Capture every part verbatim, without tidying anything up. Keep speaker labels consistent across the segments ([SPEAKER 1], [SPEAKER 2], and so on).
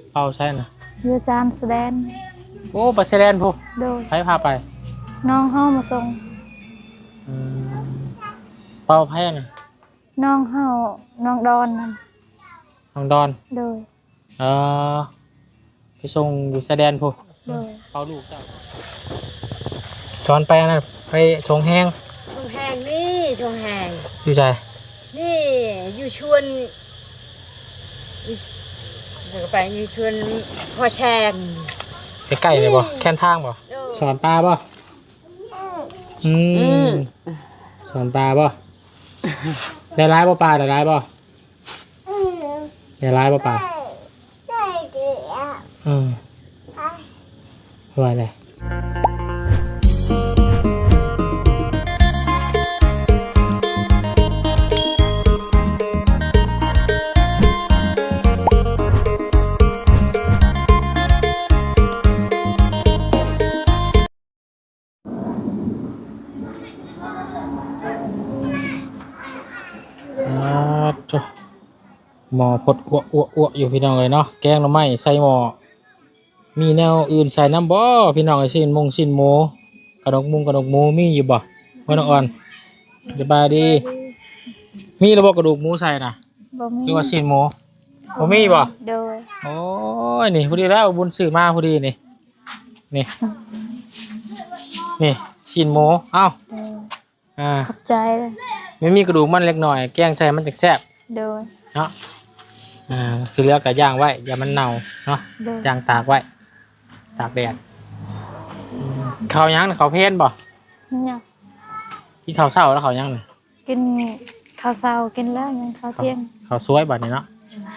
[SPEAKER 1] เป่าใช่น่ะ
[SPEAKER 2] อยู่จานแสดง
[SPEAKER 1] โอ้ไปแสดงพู
[SPEAKER 2] โดย
[SPEAKER 1] ไผพาไป
[SPEAKER 2] น้องเฮามาส่ง
[SPEAKER 1] อืมเป่าไผน่ะ
[SPEAKER 2] น้องเฮาน้องดอนนั่น
[SPEAKER 1] น้องดอน
[SPEAKER 2] โดย
[SPEAKER 1] เออไปส่งอยู่แสดงพู
[SPEAKER 2] โดย
[SPEAKER 1] เป่าลูกเจ้าสอนไปนะไปส่งแห้ง
[SPEAKER 3] ส่งแหงนี่ส่งแหง
[SPEAKER 1] อยู่ใจ
[SPEAKER 3] นี่อยู่ชวนเดี๋ยวไปอยู่ชวนพ่อแชง
[SPEAKER 1] ใกล้ๆเลยบ่แค่นทางบ่สอนปลาบ่อืมสอนปลาบ่ได้ร้ายบ่ปลาได้ร้ายบ่ได้ร้ายบ่ปลาอืมว่าไงหมอพดอ้วอ้วอ้วอยู่พี่น้องเลยเนาะแกงหน่อไม้ใส่หมอมีแนวอื่นใส่น้ำบ่พี่น้องไอ้สิ้นมงสิ้นหมูกระดกมุงกระดกหมูมีอยู่บ่ว่าน้องอ่อนสบายดีมีระบบกระดูกหมูใส่น่ะ
[SPEAKER 2] บ่มี
[SPEAKER 1] หรือว่าสิ้นหมูบ่มีบ่
[SPEAKER 2] โดย
[SPEAKER 1] โอ้ยนี่พอดีแล้วบุญซื้อมาพอดีนี่นี่นี่สิ้นหมูเอ้าอ่า
[SPEAKER 2] ขอบใจเลย
[SPEAKER 1] ไม่มีกระดูกมันเล็กหน่อยแกงใส่มันจะแซ่บ
[SPEAKER 2] โดย
[SPEAKER 1] เนาะอ่าสีเหลืองกับย่างไว้อย่ามันเน่าเนาะย่างตากไว้ตากแดดเขายังเขาเพ้นบ่
[SPEAKER 2] เนี่ย
[SPEAKER 1] กินข้าวเช้าแล้วเขายังเนี่ย
[SPEAKER 2] กินข้าวเช้ากินแล้วยังข้าวเที่ยง
[SPEAKER 1] เขาสวยบัดนี้เนาะ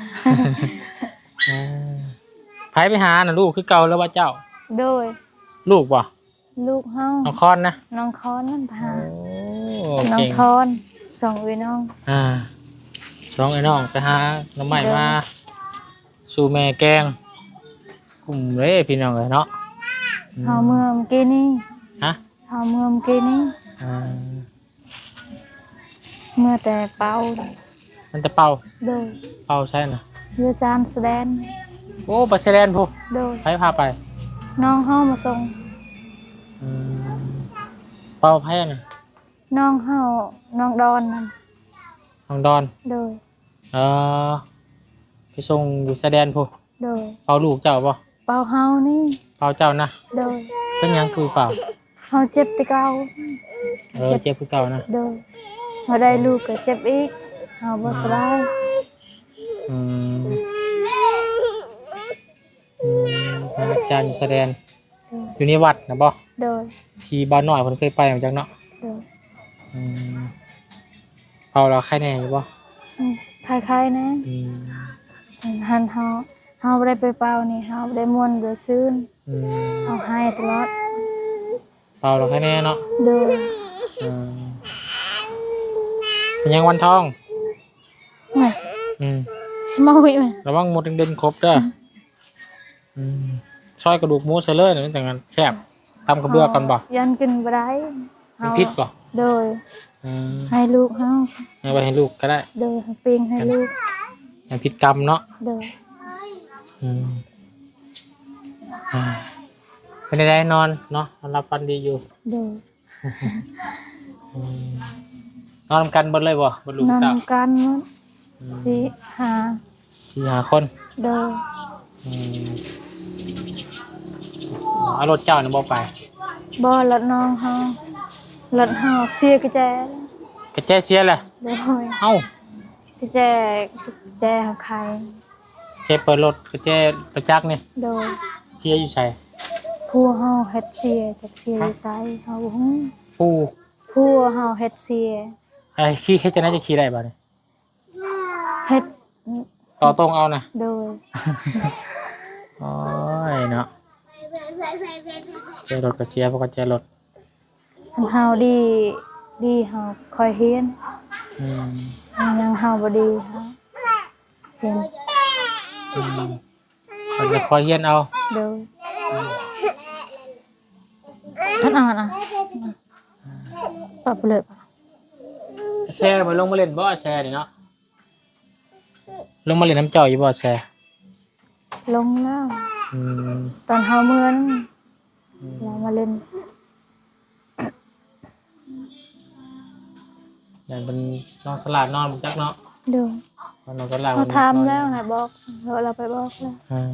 [SPEAKER 1] ไผไปหาน่ะลูกคือเก่าแล้วว่าเจ้า
[SPEAKER 2] โดย
[SPEAKER 1] ลูกบ่
[SPEAKER 2] ลูกเฮา
[SPEAKER 1] น้องคอนนะ
[SPEAKER 2] น้องคอนนั่นพา
[SPEAKER 1] น้
[SPEAKER 2] องคอนสองอีน้อง
[SPEAKER 1] อ่าสองไอ้น้องไปหาน้ำใหม่มาสู่แม่แกงกลุ่มเลยพี่น้องเลยเนาะ
[SPEAKER 2] เฮาเมื่อเมื่อกี้นี่
[SPEAKER 1] ฮะ
[SPEAKER 2] เฮาเมื่อเมื่อกี้นี่เมื่อแต่เป่า
[SPEAKER 1] มันจะเป่า
[SPEAKER 2] โดย
[SPEAKER 1] เป่าใช่น่ะ
[SPEAKER 2] อยู่จานแสดง
[SPEAKER 1] โอ้ไปแสดงพู
[SPEAKER 2] โดย
[SPEAKER 1] ไผพาไป
[SPEAKER 2] น้องเฮามาส่ง
[SPEAKER 1] เป่าไผน่ะ
[SPEAKER 2] น้องเฮาน้องดอนนั่น
[SPEAKER 1] น้องดอน
[SPEAKER 2] โดย
[SPEAKER 1] เออไปส่งอยู่แสดงพู
[SPEAKER 2] โดย
[SPEAKER 1] เป่าลูกเจ้าป่ะ
[SPEAKER 2] เป่าเฮานี่
[SPEAKER 1] เป่าเจ้านะ
[SPEAKER 2] โดย
[SPEAKER 1] เป็นยังคือเป่า
[SPEAKER 2] เฮาเจ็บแต่เก่า
[SPEAKER 1] เออเจ็บคือเก่านะ
[SPEAKER 2] โดยพอได้ลูกก็เจ็บอีกเฮาบ่สบาย
[SPEAKER 1] อืมอืมอาจารย์แสดงอยู่ในวัดนะบ่
[SPEAKER 2] โดย
[SPEAKER 1] ที่บ้านน้อยเพิ่นเคยไปเหมือนจังเนาะ
[SPEAKER 2] โดย
[SPEAKER 1] อืมเป่าแล้วใครแน่อยู่บ่
[SPEAKER 2] อืมคล้ายๆนะอืมหันเฮาเฮาบ่ได้ไปเป่านี่เฮาบ่ได้ม่วนเดือซื่นอืมเฮาให้ตลอด
[SPEAKER 1] เป่าแล้วใครแน่เนาะ
[SPEAKER 2] โดย
[SPEAKER 1] อืมเป็นยังวันทอง
[SPEAKER 2] น่ะ
[SPEAKER 1] อืม
[SPEAKER 2] สมอย
[SPEAKER 1] ระวังหมดเด่นๆครบเด้ออืมซอยกระดูกหมูใส่เลยนั่นจังนั้นแซ่บตำกระเบื้อกันบ่
[SPEAKER 2] ยันกินบ่ได้
[SPEAKER 1] เฮาพิษบ่
[SPEAKER 2] โดยให้ลูกเฮา
[SPEAKER 1] เอาไปให้ลูกก็ได้
[SPEAKER 2] โดยปิ้งให้ลูก
[SPEAKER 1] ให้พิษกรรมเนาะ
[SPEAKER 2] โดย
[SPEAKER 1] อืมอ่าเป็นได้นอนเนาะนอนรับฟันดีอยู่
[SPEAKER 2] โดย
[SPEAKER 1] นอนกันบนเลยบ่บนลูก
[SPEAKER 2] เต้านอนกันสี่ห้า
[SPEAKER 1] สี่ห้าคน
[SPEAKER 2] โดย
[SPEAKER 1] เอารถเจ้าเนี่ยบ่ไป
[SPEAKER 2] บ่รถน้องเฮารถเฮาเสียกระแจ
[SPEAKER 1] กระแจเสียแหละ
[SPEAKER 2] โดย
[SPEAKER 1] เอ้
[SPEAKER 2] ากระแจกระแจเฮาขาย
[SPEAKER 1] เจเปิดรถกระแจประจักษ์นี่
[SPEAKER 2] โดย
[SPEAKER 1] เสียอยู่ไส
[SPEAKER 2] ผัวเฮาเฮ็ดเสียจักเสียอยู่ไสเฮาฮู้
[SPEAKER 1] ผู้
[SPEAKER 2] ผัวเฮาเฮ็ดเสีย
[SPEAKER 1] อะไรขี่เฮ็ดจังได๋จะขี่ได้บ่นี่
[SPEAKER 2] เฮ็ด
[SPEAKER 1] ต่อตรงเอานะ
[SPEAKER 2] โดย
[SPEAKER 1] โอ้ยเนาะเจรถก็เสียเพราะก็เจรถ
[SPEAKER 2] เฮาดีดีเฮาคอยเฮียนอืมยังเฮาบ่ดีเฮาเฮียน
[SPEAKER 1] อืมก็จะคอยเฮียนเอา
[SPEAKER 2] โดยท่านอ่านอ่ะปรับเลย
[SPEAKER 1] แชร์มาลงมาเล่นบ่แชร์นี่เนาะลงมาเล่นน้ำเจ้าอยู่บ่แชร์
[SPEAKER 2] ลงแล้ว
[SPEAKER 1] อืม
[SPEAKER 2] ตอนเฮาเมื่อนั้นเรามาเล่น
[SPEAKER 1] อย่างเป็นน้องสลาดนอนบ่จักเนาะ
[SPEAKER 2] เดู
[SPEAKER 1] น้องสลาด
[SPEAKER 2] เขาทำแล้วนะบอกเราเราไปบอกแล้ว
[SPEAKER 1] อ่า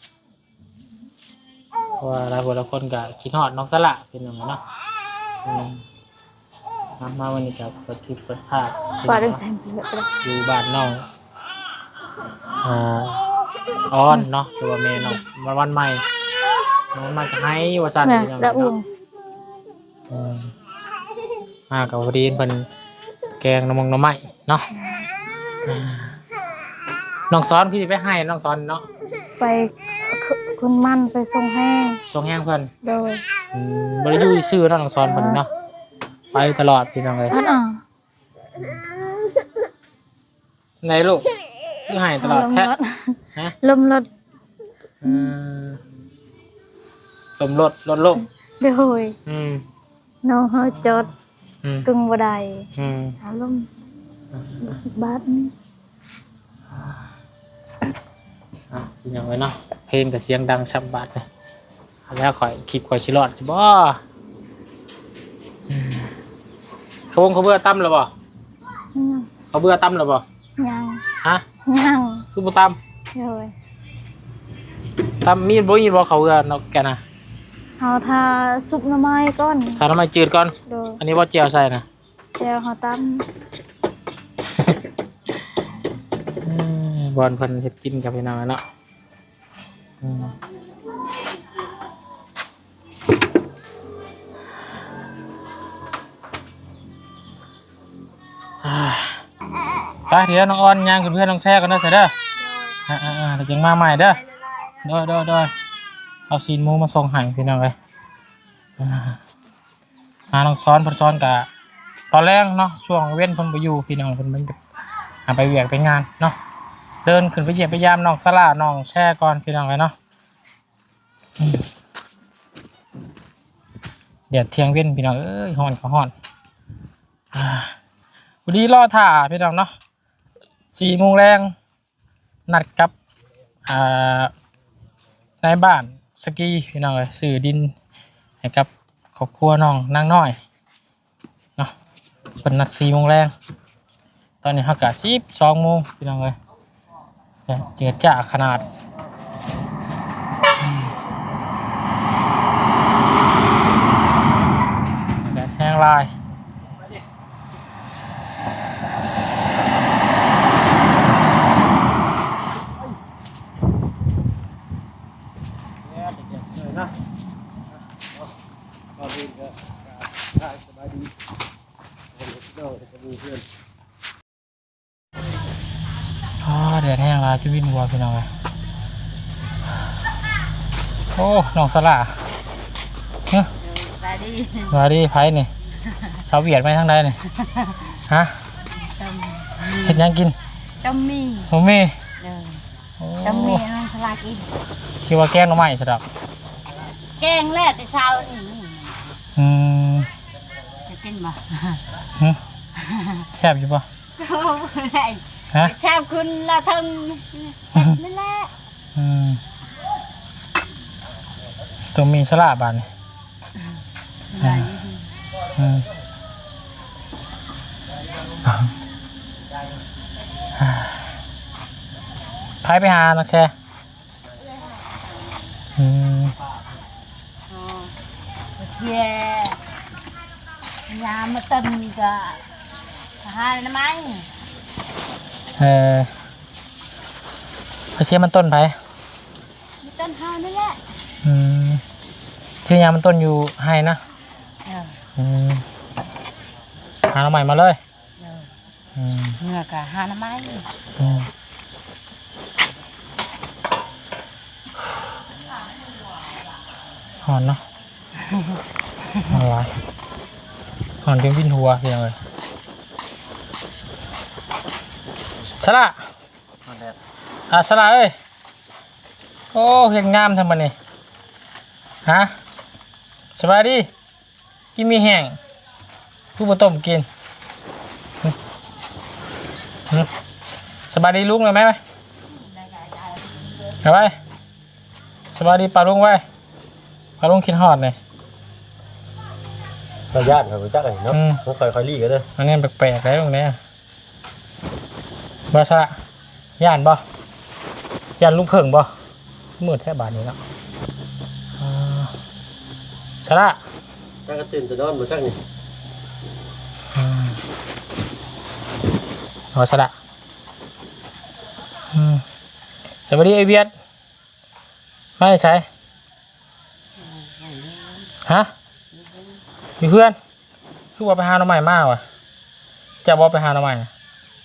[SPEAKER 1] เพราะว่าหลายคนหลายคนก็คิดฮอดน้องสละเป็นหยังไงเนาะอืมมามาวันนี้ก็เปิดคลิปเปิดภาพ
[SPEAKER 2] ปล่อยเรื่องแซมไปเลยก็ได้
[SPEAKER 1] อยู่บ้านน้องอ่าออนเนาะหรือว่าแม่น้องวันวันใหม่น้องมาจะให้ว่าซั่น
[SPEAKER 2] แม่
[SPEAKER 1] เป็นหยังไง
[SPEAKER 2] ละอุ่
[SPEAKER 1] เนาะ
[SPEAKER 2] น
[SPEAKER 1] อืมมากับพอดีเพิ่นแกงน้ำมงน้ำไม้เนาะอ่าน้องซ้อนพี่ไปให้น้องซ้อนเนาะ
[SPEAKER 2] ไปคุณมั่นไปส่งแห้ง
[SPEAKER 1] ส่งแห้งเพิ่น
[SPEAKER 2] โดย
[SPEAKER 1] อืมบ่ได้อยู่ซื่อๆเนาะน้องซ้อนเพิ่นเนาะไปตลอดพี่น้องเลย
[SPEAKER 2] อันอ่ะ
[SPEAKER 1] ไหนลูกคือให้ตลอด
[SPEAKER 2] ลม
[SPEAKER 1] แท้
[SPEAKER 2] รถ
[SPEAKER 1] ฮะ
[SPEAKER 2] ลมรถ
[SPEAKER 1] อืมลมรถรถลม
[SPEAKER 2] โดย
[SPEAKER 1] อืม
[SPEAKER 2] น้องเฮาจอด
[SPEAKER 1] อืม
[SPEAKER 2] กึ่งบ่ได้
[SPEAKER 1] อืม
[SPEAKER 2] อารมณ์บาทนี่
[SPEAKER 1] อ่ะเป็นยังไงเนาะเพลงกับเสียงดังชับบาดเลยแล้วข่อยคลิปข่อยชิรอดบ่อืมเขาวงเขาเบื่อตั้มหรือบ่
[SPEAKER 2] ยัง
[SPEAKER 1] เขาเบื่อตั้มหรือบ่
[SPEAKER 2] ยัง
[SPEAKER 1] ฮะ
[SPEAKER 2] ยัง
[SPEAKER 1] คือบ่ตั้ม
[SPEAKER 2] โดย
[SPEAKER 1] ตั้มมีดบ่มีดบ่เขาเบื่อนกแกน่ะ
[SPEAKER 2] เฮาทาซุปหน่อไม้ก่อน
[SPEAKER 1] ถ้าทำไมจืดก่อน
[SPEAKER 2] โดย
[SPEAKER 1] อันนี้บ่เจียวใส่นะ
[SPEAKER 2] แจวเฮาตำ
[SPEAKER 1] อืมบอลเพิ่นเฮ็ดกินกับพี่น้องอะเนาะอืมอ่าไปเดี๋ยวน้องออนย่างกับเพื่อนน้องแซ่กันเด้อเสร็จเด้ออ่าอ่าอ่าเดี๋ยวจังมาใหม่เด้อเด้อเด้อเด้อเอาซีนหมูมาส่งให้พี่น้องเลยอ่าหาน้องซ้อนเพิ่นซ้อนกะตอนแรกเนาะช่วงเว้นเพิ่นบ่อยู่พี่น้องเพิ่นมันหาไปเวียกไปงานเนาะเดินขึ้นไปเหยียบไปยามน้องสลาน้องแช่ก่อนพี่น้องเลยเนาะอืมเดี๋ยวเที่ยงเว้นพี่น้องเอ้ยฮ้อนก็ฮ้อนอ่าวันนี้รอถ่าพี่น้องเนาะสี่โมงแรงนัดกับอ่านายบ้านสกีพี่น้องเลยสื่อดินให้กับครอบครัวน้องนางน้อยเนาะเป็นนัดสี่โมงแรงตอนนี้เขากะสิบสองโมงพี่น้องเลยเจือจ้าขนาดอืมแดดแห้งลายอ๋อแดดแห้งลายจะวิ่งวัวพี่น้องเลยโอ้น้องสลาเนาะ
[SPEAKER 3] ไปดิ
[SPEAKER 1] มาดิไพ่นี่ชาวเวียดไหมทางใดนี่ฮะ
[SPEAKER 3] ต้ม
[SPEAKER 1] เห็ดหยังกิน
[SPEAKER 3] ต้มมี
[SPEAKER 1] ผมมี
[SPEAKER 3] เออ
[SPEAKER 1] โอ้
[SPEAKER 3] ต้มมีน้องสลากอีก
[SPEAKER 1] คิดว่าแกงหน่อไม้สะดอก
[SPEAKER 3] แกงแรกแต่เช้านี่
[SPEAKER 1] อืม
[SPEAKER 3] จะกินบ่
[SPEAKER 1] หึแซ่บอยู่ปะ
[SPEAKER 3] โอ้ย
[SPEAKER 1] ฮะ
[SPEAKER 3] ชอบคุณละทึงนั่นแหละ
[SPEAKER 1] อืมตัวมีสลาบานนี่อืมพายไปหานักแชร์อืม
[SPEAKER 3] อ๋อเชียยามาตึนก็หาหน่อไม้
[SPEAKER 1] เออพาเสียมันต้นไป
[SPEAKER 3] มีต้นเฮานั่นแหละ
[SPEAKER 1] อืมเชียยามันต้นอยู่ให้นะ
[SPEAKER 3] เออ
[SPEAKER 1] อืมหาเราใหม่มาเลย
[SPEAKER 3] เออ
[SPEAKER 1] อืม
[SPEAKER 3] เนื้อก็หาหน่อไม้
[SPEAKER 1] อืมหอนเนาะหอนไรหอนจนวิ่นหัวเพียงเลยสละอ่ะสละเอ้ยโอ้เห็นงามทำมันนี่ฮะสบายดีกินมีแห้งผู้บ่ต้มกินหึหึสบายดีลุงเลยไหมไปไปไปสวัสดีปลาลุงไว้ปลาลุงคิดฮอดเลย
[SPEAKER 4] เราญาติเขาจักไอ้เนาะต้องคอยคอยรีกันเด้อ
[SPEAKER 1] อันนี้แปลกๆแล้วตรงนี้บาสระย่านบ่ย่านลุงเพิ่งบ่มืดแท้บาทนี้เนาะอ่าสระ
[SPEAKER 4] จักก็ตื่นจะนอนบ่จักนี่
[SPEAKER 1] อืมเอาสระอืมสวัสดีไอเวียดไม่ใช่ฮะมีเพื่อนคือว่าไปหาหน่อไม้มากว่ะจะบอกไปหาหน่อไม้น่ะ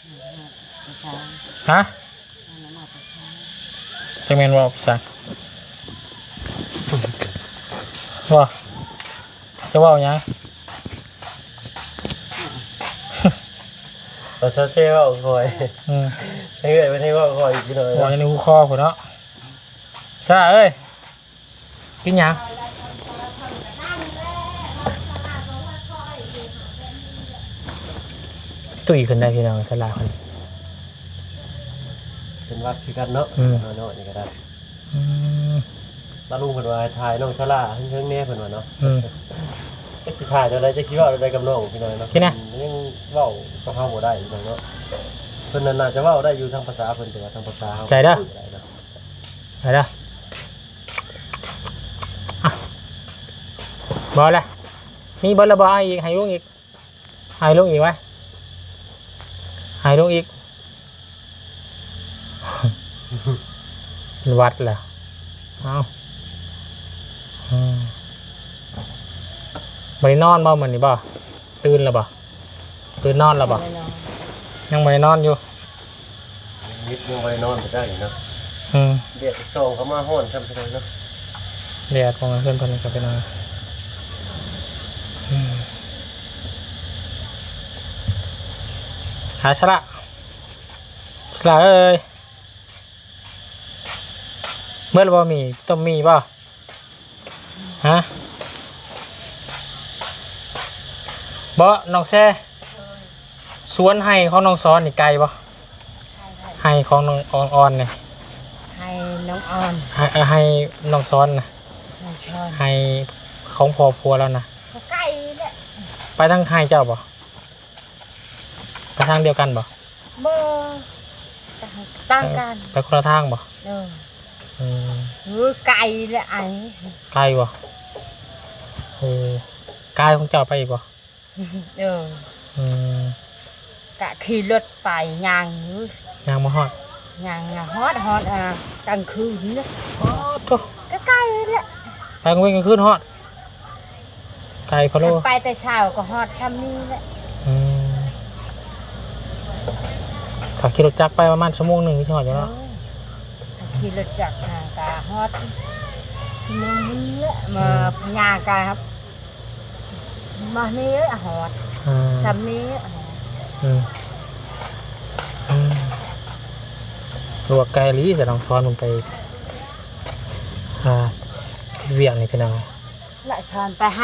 [SPEAKER 1] ฮะจะเมนว่าพี่ชายว่าจะว่าอย่าง
[SPEAKER 4] เราซาเซ่ว่าคอย
[SPEAKER 1] อืม
[SPEAKER 4] ให้เอ้ยไม่ให้ว่าคอยอีกหน่อย
[SPEAKER 1] ว่าอย่างนี้หูคอผมเนาะสระเอ้ยกินหยังตุยขึ้นได้พี่น้องสลาคน
[SPEAKER 4] เป็นวัดคือกันเนาะเนาะนี่ก็ได้
[SPEAKER 1] อืม
[SPEAKER 4] ตาลุงเพิ่นว่าถ่ายน้องชลาเพิ่งๆแน่เพิ่นว่าเนาะ
[SPEAKER 1] อืม
[SPEAKER 4] ก็สิถ่ายอะไรจะคิดว่าอะไรกับน้องพี่น้อยเนาะ
[SPEAKER 1] คิดนะ
[SPEAKER 4] ยังเว้ากับเฮาบ่ได้พี่น้องเนาะเพิ่นน่าจะเว้าได้อยู่ทางภาษาเพิ่นแต่ว่าทางภาษาเฮา
[SPEAKER 1] ใจเด้อ
[SPEAKER 4] บ่ได้เนาะ
[SPEAKER 1] ไปเด้ออ่ะบอลละมีบอลละบอลอีกให้ลูกอีกให้ลูกอีกไว้ให้ลูกอีก วัดแหละเอาอืมบรินอนบ่เหมือนนี่บ่ตื่นแล้วบ่ตื่นนอนแล้วบ่ยังบรินอนอยู่
[SPEAKER 4] นิดยังบ่ได้นอนบ่ได้เนาะ
[SPEAKER 1] อืม
[SPEAKER 4] เดี๋ยวส่งเขามาฮ้อนครับพี่น้องเนาะ
[SPEAKER 1] เดี๋ยวของเพื่อนคนนี้ก็ไปนอนอืมหาชละชละเอ้ยเมื่อเราบ่มีต้มมีป่ะฮะบ่น้องแซ่สวนให้ของน้องซ้อนนี่ไกลป่ะให้ของน้องออนออนเนี่ย
[SPEAKER 3] ให้น้องออน
[SPEAKER 1] ให้ให้น้องซ้อนนะ
[SPEAKER 3] น้องชอน
[SPEAKER 1] ให้ของพอพัวแล้วนะ
[SPEAKER 3] เขาใกล้แหละ
[SPEAKER 1] ไปทางให้เจ้าป่ะไปทางเดียวกันป่ะ
[SPEAKER 3] เบอร์ตั้งกัน
[SPEAKER 1] ไปคนละทางป่ะ
[SPEAKER 3] เออ
[SPEAKER 1] อืม
[SPEAKER 3] เออไก่แหละไอ้
[SPEAKER 1] ไกลป่ะเออไกลของเจ้าไปอีกป่ะ
[SPEAKER 3] เออ
[SPEAKER 1] อืม
[SPEAKER 3] กะขี่รถไปยางอยู่
[SPEAKER 1] ยางมาฮอด
[SPEAKER 3] ยางอะฮอดฮอดอ่ะกลางคืนเนี่ย
[SPEAKER 1] อ๋อโถ่
[SPEAKER 3] ก็ใกล้แหละ
[SPEAKER 1] ไปกลางวันกลางคืนฮอดไกลพะโล
[SPEAKER 3] ไปแต่เช้าก็ฮอดช่ำนี้แหละ
[SPEAKER 1] อืมถ้าขี่รถจักรไปประมาณชั่วโมงหนึ่งที่ชอดอยู่
[SPEAKER 3] เอ
[SPEAKER 1] แล้ว
[SPEAKER 3] อขี่รถจักรอ่ะกะฮอดชั่วโมงนี้แหละมาพญากะครับมานี้อะฮอด
[SPEAKER 1] อืม
[SPEAKER 3] ช่ำนี้อะฮอด
[SPEAKER 1] อืมอืมรัวไกลลีจะลองซ้อนมันไปอ่าเวียงนี่พี่น้อง
[SPEAKER 3] ละชอนไปให้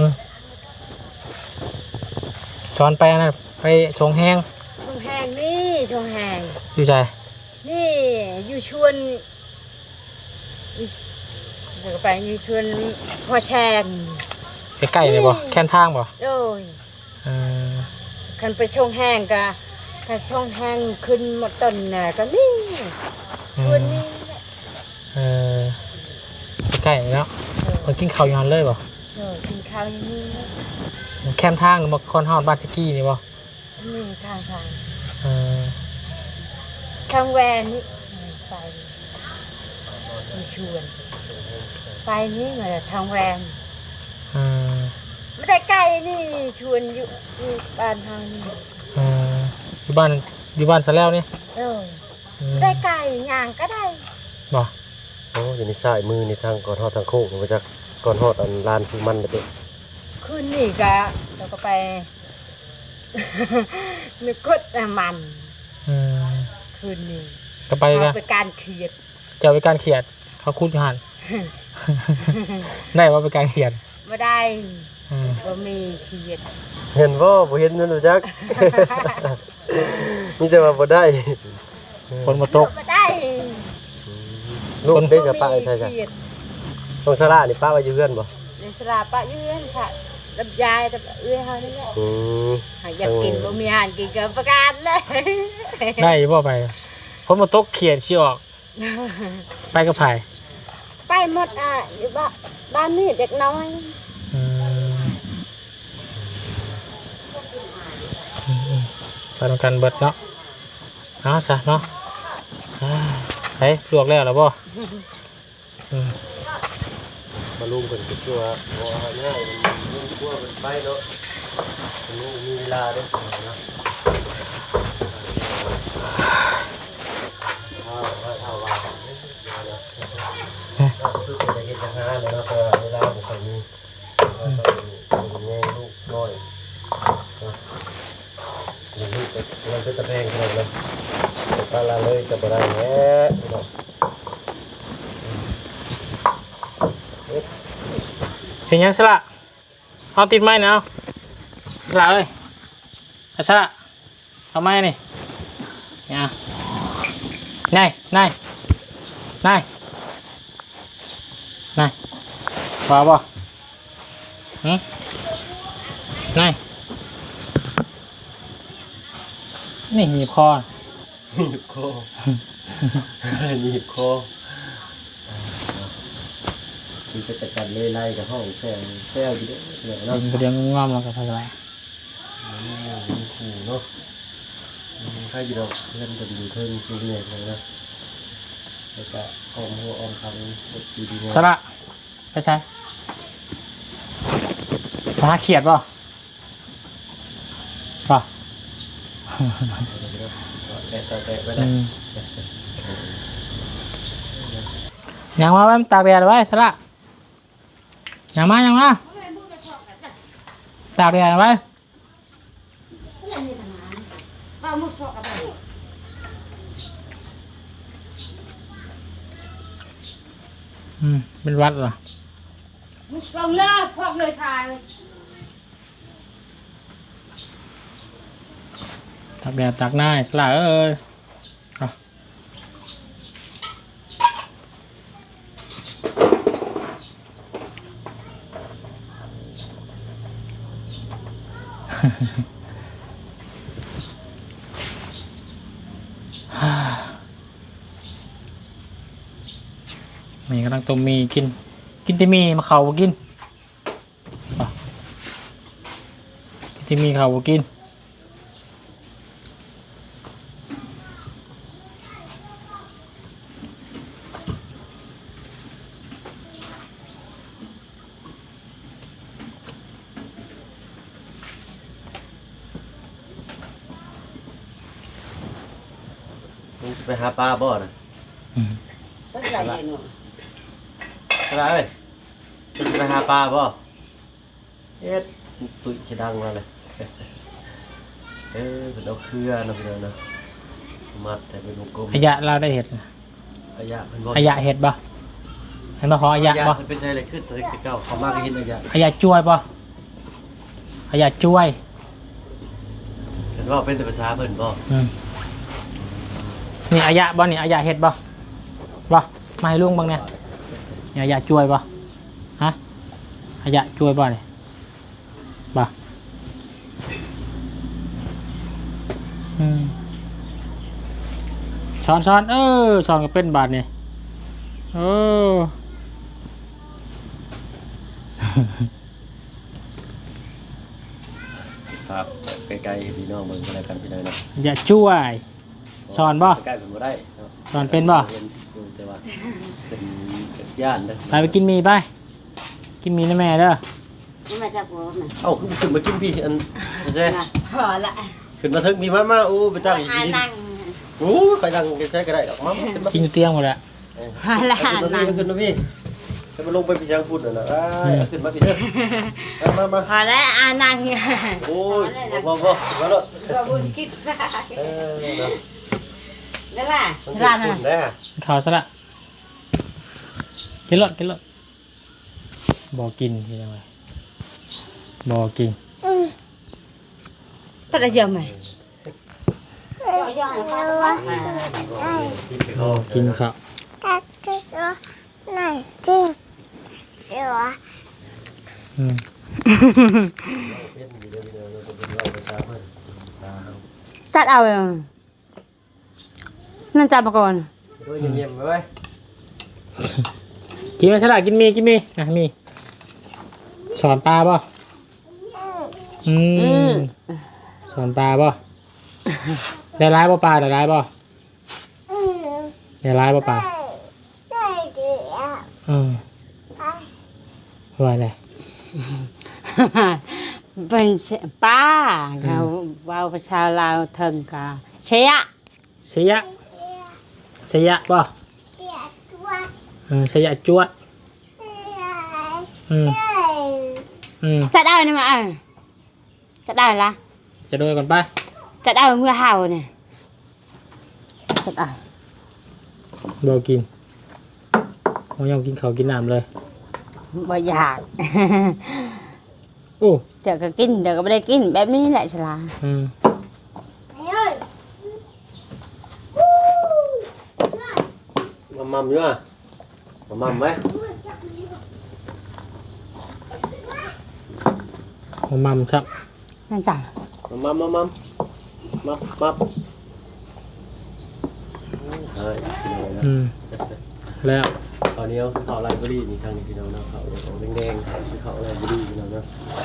[SPEAKER 1] ซ้อนไปอันนั้นไปชงแห้ง
[SPEAKER 3] ชงแหงนี่ชงแหง
[SPEAKER 1] อยู่ใจ
[SPEAKER 3] นี่อยู่ชวนอยู่เดี๋ยวก็ไปอยู่ชวนพ่อแชง
[SPEAKER 1] ใกล้ๆเลยบ่แค่นทางบ่
[SPEAKER 3] โดย
[SPEAKER 1] อืม
[SPEAKER 3] คันไปชงแห้งก็ถ้าชงแห้งขึ้นหมดต้นน่ะก็นี่ชวนนี่แหละ
[SPEAKER 1] เออใกล้ๆเนาะมันกินข้าวอยู่หันเลยบ่
[SPEAKER 3] เออกินข้าวอย่างนี้แหละ
[SPEAKER 1] แค่นทางหรือบ่คอนฮอดบาสกี้นี่บ่
[SPEAKER 3] นี่ทางทาง
[SPEAKER 1] เออ
[SPEAKER 3] ทางแวนนี่ไปมีชวน ไปนี่มาทางแวน
[SPEAKER 1] อืม
[SPEAKER 3] ไม่ได้ไกลนี่ชวนอยู่อยู่บ้านทางนี้
[SPEAKER 1] เอออยู่บ้านอยู่บ้านซะแล้วนี่
[SPEAKER 3] เออ
[SPEAKER 1] อืม
[SPEAKER 3] ได้ไก่ย่างก็ได้
[SPEAKER 1] บ่
[SPEAKER 4] โอ้อยู่ในซ้ายมือในทางก่อนฮอดทางโค้งมาจากก่อนฮอดอันลานสุมันไปเด้
[SPEAKER 3] คืนนี่ก็เราก็ไป นึกกดน้ำมัน
[SPEAKER 1] อืม
[SPEAKER 3] คืนนี้
[SPEAKER 1] ก็ไปกัน
[SPEAKER 3] เอาไปการเขียด
[SPEAKER 1] เจ้าไปการเขียดเขาคุดอยู่หัน ได้ว่าไปการเขียด
[SPEAKER 3] ไม่ได้
[SPEAKER 1] อืม
[SPEAKER 3] ก็มีเขียด
[SPEAKER 4] เห็นบ่บ่เห็นนั่นรู้จัก นี่จะว่าบ่ได้
[SPEAKER 1] ฝนมาตก
[SPEAKER 3] ไม่ได้
[SPEAKER 4] ลูกได้จะปะใช่จ้ะ
[SPEAKER 3] เขียด
[SPEAKER 4] ต้องสละนี่ป้าไว้อยู่เพื่อนบ่
[SPEAKER 3] ในสลาปะยืนค่ะรับยายแต่เอื้อยเฮานี่แหละ
[SPEAKER 4] อืม
[SPEAKER 3] อยากกินบ่มีอาหารกินก็ประกาศเลย
[SPEAKER 1] ได้บ่ไปคนมาตกเขียดสิออกไปกับไผ
[SPEAKER 3] ไปหมดอ่ะอยู่บ้านบ้านนี่เด็กน้อย
[SPEAKER 1] อืมอืมไปทำกันเบิดเนาะเอาซะเนาะอ่าไปลวกแล้วหรอบ่อืม
[SPEAKER 4] มาลุมเพิ่นก็ตัวบ่หาง่ายมันลุมกลัวมันไปเนาะมันมีเวลาเด้อเนาะเอาเอาเอาว่าเนาะเราคือจะเฮ็ดจังหาเลยเนาะแต่เวลาบ่ค่อยมีเราต้องแย่ลูกน้อยเนาะเดี๋ยวนี้เป็นมันเป็นตะแพงขนาดนั้นแต่ปลาละเลยจะบ่ได้แหละเนาะ
[SPEAKER 1] เห็นยังสละเอาติดไม้นะเอาสละเอ้ยเอาสละเอาไม้นี่เนี่ยนายนายนายนายว่าบ่หืมนายนี่หนีบคอ
[SPEAKER 4] หนีบคอหนีบคอคือจะจัดการเลยไล่กับห้องแซวแซวอยู่ด้วยเนี่ยเนาะ
[SPEAKER 1] เป็นเรื่องงอมแล้วก็ไปไร
[SPEAKER 4] มันขู่เนาะถ้าอยู่ดอกเล่นกันอยู่เพิ่งสูงเนี่ยเลยนะแล้วก็ออมหัวออมคำดีดี
[SPEAKER 1] สละไปใช้ปลาเขียดป่ะป่ะ
[SPEAKER 4] แตะแตะไปได้
[SPEAKER 1] ยังมาไว้ตากแดดไว้สละยังมายังมาตากแดดไว้อืมเป็นวัดเหรอ
[SPEAKER 3] ลงเลยพวกเลยชาย
[SPEAKER 1] ตากแดดตากหน้าสละเอ้ยเอา มีกำลังต้มมีกิน กินแต่มีมาเข่าบ่กินป่ะกินแต่มีเข่าบ่กิน
[SPEAKER 4] มึงจะไปหาปลาบ่อนะ
[SPEAKER 1] อืม
[SPEAKER 3] ก็ใส่หนู
[SPEAKER 4] อะไรเอ้ยมึงจะไปหาปลาบ่เอ็ดตุ้ยชิดังมาเลยเออเป็นเอาเครือนะเพื่อนนะมัดแต่เป็นวงกลม
[SPEAKER 1] อายะเราได้เห็ด
[SPEAKER 4] อายะเป็นบ่
[SPEAKER 1] อายะเห็ดบ่เห็นบ่ขออายะบ่
[SPEAKER 4] มันไปใส่อะไรขึ้นตอนเก่าเขามากก็เห็นอายะ
[SPEAKER 1] อายะจ้วยบ่อายะจ้วย
[SPEAKER 4] เห็นว่าเป็นแต่ภาษาเพิ่นบ่
[SPEAKER 1] อืมนี่อายะบ่นี่อายะเห็ดบ่บ่มาให้ลุงเบิ่งเนี่ยนี่อายะจ้วยบ่ฮะอายะจ้วยบ่นี่บ่อืมช้อนช้อนเออช้อนก็เป็นบาทนี่โอ้
[SPEAKER 4] ครับใกล้ๆพี่น้องเบิ่งอะไรกันพี่น้องเนาะ
[SPEAKER 1] อย่าช่วยช้อนบ่
[SPEAKER 4] ใกล้เป็นบ่ได้เนาะ
[SPEAKER 1] ช้อนเป็นบ่
[SPEAKER 4] แต่ว่าเป็นเป็นย่านเด้อ
[SPEAKER 1] ไปไปกินหมีไปกินหมีนะแม่เด้อ
[SPEAKER 3] นี่มาจากหัวน่ะ
[SPEAKER 4] เอ้าขึ้นมากินพี่อันแซ่
[SPEAKER 3] พอละ
[SPEAKER 4] ขึ้นมาถึงพี่มามาโอ้ไปตั้งอีก
[SPEAKER 3] อา
[SPEAKER 4] ที
[SPEAKER 3] นั่ง
[SPEAKER 4] โอ้ใครดังแซ่ก็ได้ดอกมาขึ้นมา
[SPEAKER 1] กินอยู่เตียงหมดแล้ว
[SPEAKER 3] พอละ
[SPEAKER 4] ขึ้นมา
[SPEAKER 3] นั่ง
[SPEAKER 4] พี่ขึ้นมาพี่จะมาลงไปพี่ช้างพูดน่ะนะขึ้นมาพี่เด้อมามา
[SPEAKER 3] พอละอานั่ง
[SPEAKER 4] โอ้ยบ่บ่มาแล้ว
[SPEAKER 3] ก็บุญคิดซะ
[SPEAKER 4] เออเนาะ
[SPEAKER 3] แล้วล่ะ
[SPEAKER 4] มัน
[SPEAKER 3] ร้าน
[SPEAKER 4] คุ
[SPEAKER 3] น่ะ
[SPEAKER 4] ณได้
[SPEAKER 1] กินข้าวซะละกินรถกินรถบอกินที่ยังไงบอกิน
[SPEAKER 3] ตัดได้เยอะไหม
[SPEAKER 1] บอกินข้าว
[SPEAKER 2] ตักที่ก็ไหนที่
[SPEAKER 1] อืม
[SPEAKER 4] เป็นอยู่เดี๋ยวเดี๋ยวเราจะเป็นเราไปตามเพิ่นตาม
[SPEAKER 3] จัดเอาเลยนั่นจัดมาก่อน
[SPEAKER 4] ด้วยเงียบๆไว้
[SPEAKER 1] กินไหมฉลาดกินมีกินมีนะมีสอนปลาป่ะอืมสอนปลาป่ะได้ร้ายป่ะปลาได้ร้ายป่ะได้ร้ายป่ะปลาอืมว่าไง
[SPEAKER 3] เป็นป้าเขาว่าภาษาลาวเถิงกะเชีย
[SPEAKER 1] เสียเสียป่ะอืมเสียจวดอืมอืม
[SPEAKER 3] จัดเอาเนี่ยมาเออจัดเอาละ
[SPEAKER 1] จะโดยก่อนไป
[SPEAKER 3] จัดเอาเมื่อเห่าเนี่ยจัดเอา
[SPEAKER 1] บอกกินผมยังกินเขาวกินน้ำเลย
[SPEAKER 3] บ่อยาก
[SPEAKER 1] โอ้
[SPEAKER 3] เดี๋ยวก็กินเดี๋ยวก็ไม่ได้กินแบบนี้แหละฉลา
[SPEAKER 1] อืม
[SPEAKER 4] มัมมัมอยู่อ่ะมัมมัมไว้
[SPEAKER 1] ผมมัมชับ
[SPEAKER 3] นั่นจ้ะ
[SPEAKER 4] มัมมัมมัมมัมมัมใช่
[SPEAKER 1] อืมแล้ว
[SPEAKER 4] ตอนนี้เขาเขาไลบรารีนี่ทางนี้พี่น้องนะเขาอย่างแดงๆคือเขาไลบรารีพี่น้องนะ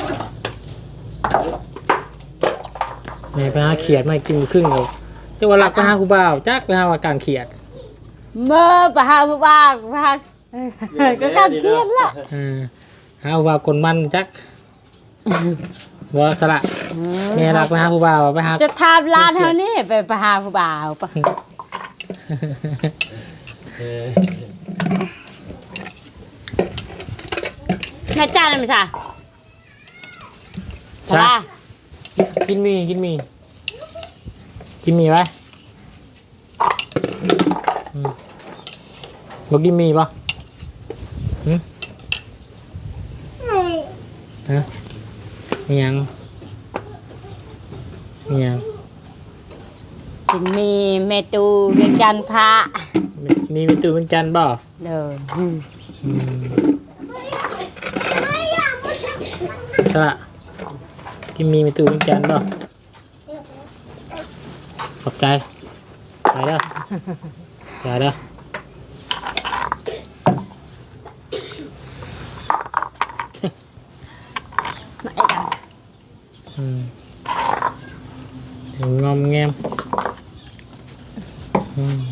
[SPEAKER 1] แม่ไปหาเขียดมากินครึ่งเลยจังหวะหลักไปหาครูบ่าวจักไปหาว่าการเขียด
[SPEAKER 3] เมื่อปะฮาผู้บ้าปะฮาก็การเครียดละ
[SPEAKER 1] อืมหาครูบ่าวกลมันจักว่าสละแม่หลักไปหาครูบ่าวไปหา
[SPEAKER 3] จะทำร้านเท่านี้ไปปะฮาผู้บ่าวปะ
[SPEAKER 4] เออ
[SPEAKER 3] แม่จ้าเลยมั้ยจ๊ะฉลา
[SPEAKER 1] กินมีกินมีกินมีไว้อืมบอกกินมีป่ะหืมฮะมียังมียัง
[SPEAKER 3] กินมีเมตูเวียงจันทร์พระ
[SPEAKER 1] มีเป็นตัวเป็นจันทร์ป่ะ
[SPEAKER 3] เด้อ
[SPEAKER 1] อืมใช่ละกินมีเป็นตัวเป็นจันทร์ป่ะขอบใจไปเด้อไปเด้อ
[SPEAKER 3] ไม่ได้
[SPEAKER 1] อืมถึงงอมแงมอืม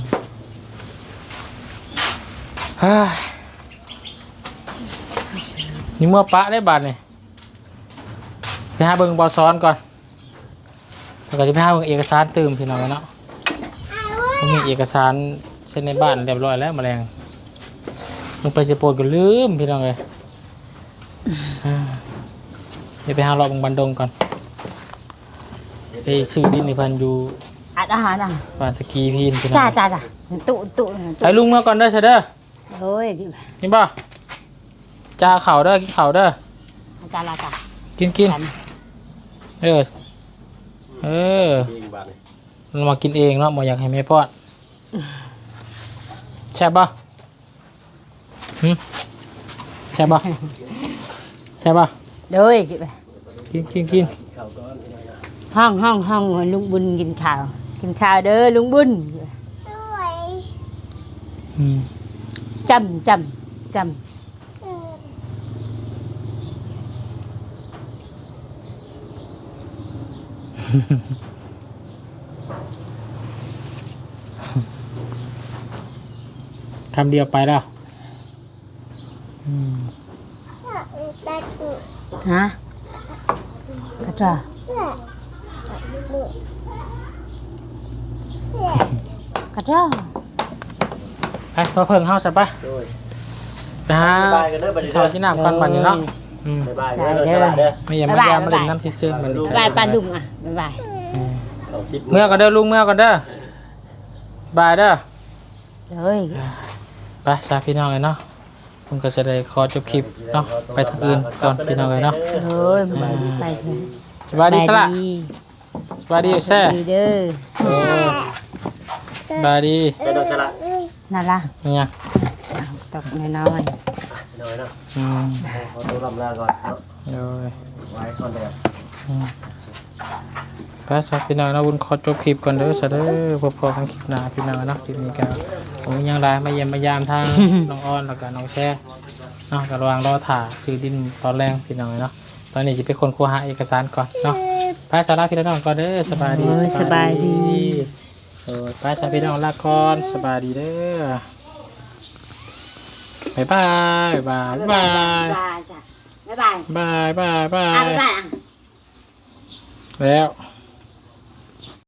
[SPEAKER 1] ฮ่านี่เมื่อปะได้บาทเนี่ยไปหาเบิ่งบอซ้อนก่อนแล้วก็จะไปหาเบิ่งเอกสารตื่มพี่น้องเนาะผมมีเอกสารเช่นในบ้านเรียบร้อยแล้วแมลงลงไปสโปนก็ลืมพี่น้องเลยอ่าเดี๋ยวไปหารอบเบิ่งบันดงก่อนไปซื้อดินในพันอยู่
[SPEAKER 3] อัดอาหารอ่ะ
[SPEAKER 1] บ้านสกีพีนพี่น้อง
[SPEAKER 3] จ้าจ้าจ้าตุตุ
[SPEAKER 1] ไปลุงมาก่อนเด้อเชเด้อ
[SPEAKER 3] เฮ้ย
[SPEAKER 1] นี่ป่ะจ้าเข่าเด้อกินเข่าเด้อ
[SPEAKER 3] จ้าละจ้า
[SPEAKER 1] กินกินเออเออ
[SPEAKER 4] เองบาดเลย
[SPEAKER 1] เรามากินเองเนาะหมออยากให้แม่ป้อนแช่บป่ะหึแช่บป่ะแช่บป่ะ
[SPEAKER 3] เด้อ
[SPEAKER 1] กินกินกิน
[SPEAKER 4] เข้าก้อนพี่น้องนะ
[SPEAKER 3] ห้องห้องห้องลุงบุญกินข้าวกินข้าวเด้อลุงบุญ
[SPEAKER 1] อืม
[SPEAKER 3] จำจำจำ
[SPEAKER 1] คำเดียวไปแล้วอืม
[SPEAKER 3] ฮะกระจ้ากระจ้า
[SPEAKER 1] ไปมาเพิ่งเฮาใช่ปะ
[SPEAKER 4] โดย
[SPEAKER 1] ไปหา
[SPEAKER 4] บ๊ายบายกันเด้อบัดนี้
[SPEAKER 1] ข้าวที่น้ำก่อนบัดนี้เนาะอืม
[SPEAKER 4] บ๊ายบายเด้อเด้อเด้อ
[SPEAKER 1] ไม่อย่ามาอย่ามาเล่นน้ำซื่อๆมัน
[SPEAKER 3] บ๊ายบายปลาลุงอ่ะบ๊ายบาย
[SPEAKER 1] อืม
[SPEAKER 4] เขาจิต
[SPEAKER 1] เมื่อก่อนเด้อลุงเมื่อก่อนเด้อ บายเด้อ
[SPEAKER 3] เฮ้ย
[SPEAKER 1] ไปสาพี่น้องเลยเนาะผมก็จะได้ขอจบคลิปเนาะไปทางอื่นก่อนพี่น้องเลยเนาะ
[SPEAKER 3] เฮ้ยไปสิ
[SPEAKER 1] สบายดีสละสบายดีแซ่
[SPEAKER 3] ดีเด้อ
[SPEAKER 1] เออสบายดี
[SPEAKER 4] ไปโดนสละ
[SPEAKER 3] นั่นล่ะ
[SPEAKER 1] เนี่ย
[SPEAKER 3] เตกน้อย
[SPEAKER 4] น้อยเนาะ
[SPEAKER 1] อืม
[SPEAKER 4] ขอตัวลำลาก่อนเนาะ
[SPEAKER 1] โดย
[SPEAKER 4] ไว้ก่อนเดี๋ยว
[SPEAKER 1] อืมก็สักพี่น้องนะบุญขอจบคลิปก่อนเด้อซะเด้อพบพอกันคลิปหน้าพี่น้องเนาะคลิปนี้ก็ผมยังไลน์มาเยี่ยมมายามทาง น้องอ้อนแล้วก็น้องแช่เนาะก็ระหว่างรอถ่าซื้อดินตอนแรงพี่น้องเนาะตอนนี้สิเป็นคนคัวหาเอกสารก่อนเนาะไปสาระพี่น้องก่อนเด้อสบายดี
[SPEAKER 3] โอ้ยสบายดี
[SPEAKER 1] เออไปสาระพี่น้องลาก่อนสบายดีเด้อบ๊ายบายบ๊ายบาย
[SPEAKER 3] บายจ้ะบ๊ายบาย
[SPEAKER 1] บายบายบา
[SPEAKER 3] อ่ะ
[SPEAKER 1] ย
[SPEAKER 3] บ๊ายบายอ่ะ
[SPEAKER 1] แล้ว